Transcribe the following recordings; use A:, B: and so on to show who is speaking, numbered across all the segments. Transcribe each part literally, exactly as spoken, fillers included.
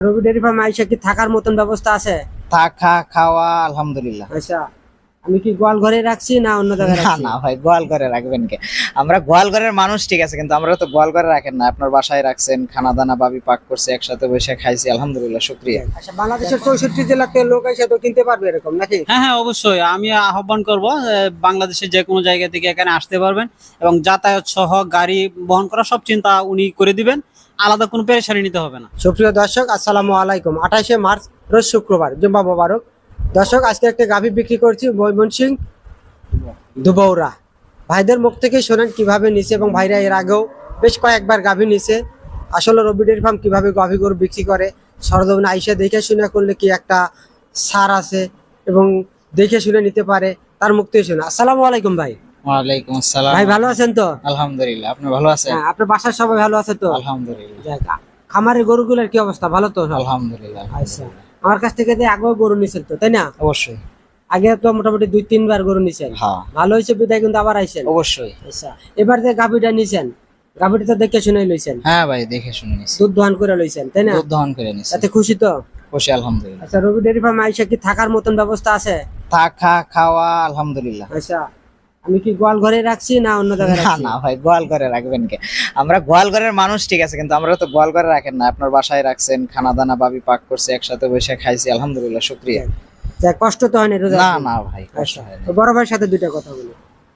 A: রবি dairy ফার্মে আইসা কি থাকার মতন ব্যবস্থা আছে?
B: থাকা খাওয়া আলহামদুলিল্লাহ।
A: আচ্ছা, আমি কি গোয়াল ঘরে রাখছি না অন্য জায়গায়
B: না
A: রাখছি?
B: না ভাই, গোয়াল ঘরে রাখবেন কে? আমরা গোয়াল ঘরের মানুষ ঠিক আছে, কিন্তু আমরা তো গোয়াল ঘরে রাখেন না। আপনার বাসায় রাখছেন, খানা দানা বাবি পাক করছে, একসাথে বসে খাইছি, আলহামদুলিল্লাহ, শুকরিয়া।
A: আচ্ছা, বাংলাদেশের চৌষট্টি জেলাতে লোক এসে তো কিনতে পারবে এরকম নাকি?
C: হ্যাঁ হ্যাঁ অবশ্যই, আমি আহ্বান করব বাংলাদেশের যে কোনো জায়গা থেকে এখানে আসতে পারবেন এবং যাতায়াত সহ গাড়ি বহন করা সব চিন্তা উনি করে দিবেন, আলাদা কোনো পেরেশানি নিতে হবে না।
A: সুপ্রিয় দর্শক, আসসালামু আলাইকুম। আঠাশে মার্চ রোজ শুক্রবার, জুম্মা মোবারক। দর্শক, আজকে একটা গাভী বিক্রি করছি ময়মনসিংহ দুবৌরা। ভাইদের মুখ থেকে শোনেন কিভাবে নিছে, এবং ভাইরা এর আগেও বেশ কয়েকবার গাভী নিছে। আসলে রবি ডেয়ারি ফার্ম কিভাবে গাভী গরু বিক্রি করে, সরজমিনে আইসা দেখে শুনে করলে কি একটা ছাড় আছে এবং দেখে শুনে নিতে পারে, তার মুখ থেকে শুনে। আসসালামু আলাইকুম ভাই।
B: ওয়ালাইকুম আসসালাম।
A: ভাই ভালো আছেন তো?
B: আলহামদুলিল্লাহ, আপনি ভালো আছেন?
A: হ্যাঁ, আপনার বাসার সবাই ভালো আছে তো?
B: আলহামদুলিল্লাহ।
A: যাক, খামারের গরুগুলোর কি অবস্থা? ভালো তো সব?
B: আলহামদুলিল্লাহ।
A: আচ্ছা, আমার কাছ থেকে যে আগেও গরু নিছেন তো, তাই না?
B: অবশ্যই।
A: আগে তো মোটামুটি দুই তিনবার গরু নিছেন।
B: হ্যাঁ,
A: ভালো হয়েছে বিদায় কিন্তু আবার আইছেন।
B: অবশ্যই।
A: আচ্ছা, এবার যে গাভীটা নিছেন, গাভীটা তো দেখে শুনে লইছেন,
B: হ্যাঁ ভাই, দেখে শুনে নিছি,
A: দুধ দহন করে লইছেন, তাই না?
B: দুধ দহন করে নিছি।
A: তাতে খুশি তো?
B: খুশি আলহামদুলিল্লাহ।
A: আচ্ছা, রবি ডেয়ারি ফার্মে আইসা কি থাকার মতন ব্যবস্থা আছে?
B: থাকা খাওয়া আলহামদুলিল্লাহ।
A: আচ্ছা, আমি কি গোয়াল ঘরে রাখছি না অন্য জায়গায়
B: না
A: রাখছি?
B: না ভাই, গোয়াল ঘরে রাখবেন কে? আমরা গোয়াল ঘরের মানুষ ঠিক আছে, কিন্তু আমরা তো গোয়াল ঘরে রাখেন না। আপনার বাসায় রাখছেন, খানা দানা বাবি পাক করছে, একসাথে বসে খাইছি, আলহামদুলিল্লাহ, শুকরিয়া।
A: যাক, কষ্ট তো হয় না রোজা?
B: না না ভাই, কষ্ট
A: আচ্ছা,
B: হয় না।
A: তো বড় ভাইয়ের সাথে দুইটা কথা বলি।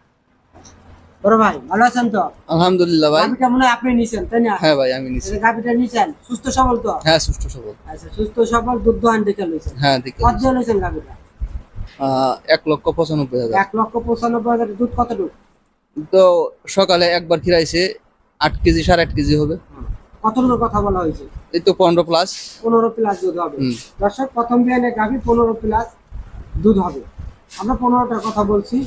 A: বড় ভাই ভালো আছেন তো?
D: আলহামদুলিল্লাহ ভাই।
A: গাভীটা মনে হয় আপনি নিছেন, তাই না?
D: হ্যাঁ ভাই, আমি নিছি।
A: এই যে গাভীটা নিছেন, সুস্থ সবল তো?
D: হ্যাঁ, সুস্থ সবল।
A: আচ্ছা, সুস্থ সবল, দুধ দহন দেখে লইছেন।
D: হ্যাঁ, দেখে
A: কত দিয়ে লইছেন গাভীটা?
D: আহ, এক লক্ষ পঁচানব্বই হাজার।
A: এক লক্ষ পঁচানব্বই হাজার। দুধ কতটুকু?
D: তো সকালে একবার খিরাইছে, আট কেজি সাড়ে আট কেজি হবে।
A: কতটুকু কথা বলা হয়েছে?
D: এই তো পনেরো প্লাস।
A: পনেরো প্লাস দুধ হবে।
D: হুম।
A: দর্শক, প্রথম বিয়ানে গাভী পনেরো প্লাস দুধ হবে। আমরা পনেরোটার কথা বলছি,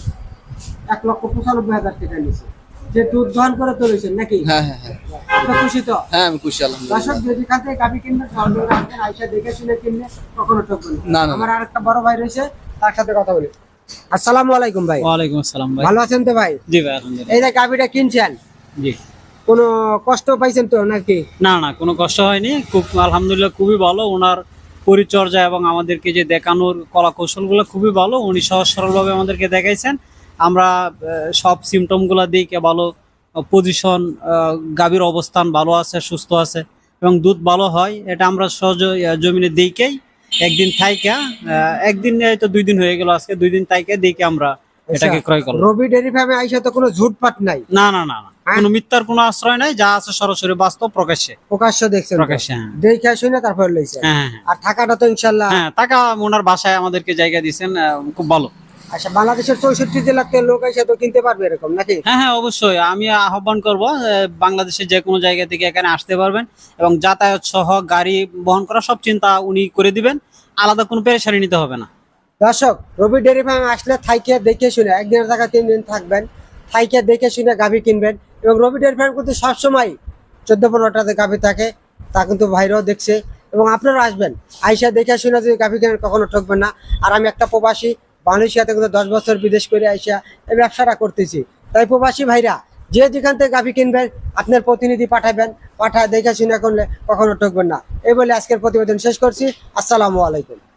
A: এক লক্ষ পঁচানব্বই হাজার টাকা নিচ্ছে। যে দুধ দহন করে তো লইছেন নাকি?
D: হ্যাঁ হ্যাঁ হ্যাঁ
A: আপনি খুশি তো?
D: হ্যাঁ, আমি খুশি আলহামদুলিল্লাহ।
A: দর্শক, যদি এখান থেকে গাভী কিনবেন, সরজমিনে আসবেন, আইসা দেখে শুনে কিনলে কখনো ঠকবেন
D: না, না, না।
A: আমার আরেকটা বড় ভাই রয়েছে, তার সাথে কথা বলি। আসসালামু আলাইকুম ভাই।
C: ওয়ালাইকুম আসসালাম ভাই।
A: ভালো আছেন তো ভাই?
C: জি ভাই, আলহামদুলিল্লাহ।
A: এই যে গাভীটা কিনছেন,
C: জি,
A: কোনো কষ্ট পাইছেন তো নাকি?
C: না না, কোনো কষ্ট হয়নি, খুব আলহামদুলিল্লাহ, খুবই ভালো। ওনার পরিচর্যা এবং আমাদেরকে যে দেখানোর কলা কৌশলগুলো খুবই ভালো। উনি সহজ সরলভাবে আমাদেরকে দেখাইছেন। আমরা আহ, সব সিমটমগুলো দেখে ভালো পজিশন, গাভীর অবস্থান ভালো আছে, সুস্থ আছে এবং দুধ ভালো হয়, এটা আমরা সহজ আহ, জমিনে দেখেই একদিন থাইকা, আহ, একদিন তো দুই দিন হয়ে গেল, আজকে দুই দিন থাইকা দেখে আমরা এটাকে ক্রয় করলাম।
A: রবি ডেয়ারি ফার্মে আইসা তো কোনো ঝুটপাট নাই,
C: না না না না,
A: হ্যাঁ?
C: কোনো মিথ্যার কোনো আশ্রয় নাই, যা আছে সরাসরি বাস্তব প্রকাশ্যে।
A: প্রকাশ্য দেখছেন তো?
C: প্রকাশ্যে, হ্যাঁ।
A: দেখে শুনে তারপর লইছেন।
C: হ্যাঁ হ্যাঁ
A: আর থাকাটা তো ইনশাল্লাহ।
C: হ্যাঁ, টাকা ওনার বাসায় আমাদেরকে জায়গা দিয়েছেন, খুব ভালো।
A: আচ্ছা, বাংলাদেশের চৌষট্টি জেলাতে লোক এসে তো কিনতে পারবে এরকম নাকি?
C: হ্যাঁ হ্যাঁ অবশ্যই, আমি আহ্বান করব বাংলাদেশের যে কোনো জায়গা থেকে এখানে আসতে পারবেন এবং যাতায়াত সহ গাড়ি বহন করা সব চিন্তা উনি করে দিবেন, আলাদা কোনো পেরেশানি নিতে হবে না।
A: দর্শক, রবি ডেয়ারি ফার্মে আসলে থাইকে দেখে শুনে, একদিনের জায়গা তিন দিন থাকবেন, থাইকে দেখে শুনে গাভী কিনবেন। এবং রবি ডেয়ারি ফার্ম কিন্তু সবসময় চোদ্দ পনেরোটাতে গাভী থাকে, তা কিন্তু ভাইরাও দেখছে। এবং আপনারা আসবেন, আইসা দেখে শুনে যদি গাভী কেনেন কখনো ঠকবেন না। আর আমি একটা প্রবাসী, মালয়েশিয়াতে কিন্তু দশ বছর বিদেশ করে আইসা এই ব্যবসাটা করতেছি। তাই প্রবাসী ভাইরা যে যেখান থেকে গাভী কিনবেন, আপনার প্রতিনিধি পাঠাবেন, পাঠায় দেখে শুনে করলে কখনো ঠকবেন না। এই বলে আজকের প্রতিবেদন শেষ করছি। আসসালামু আলাইকুম।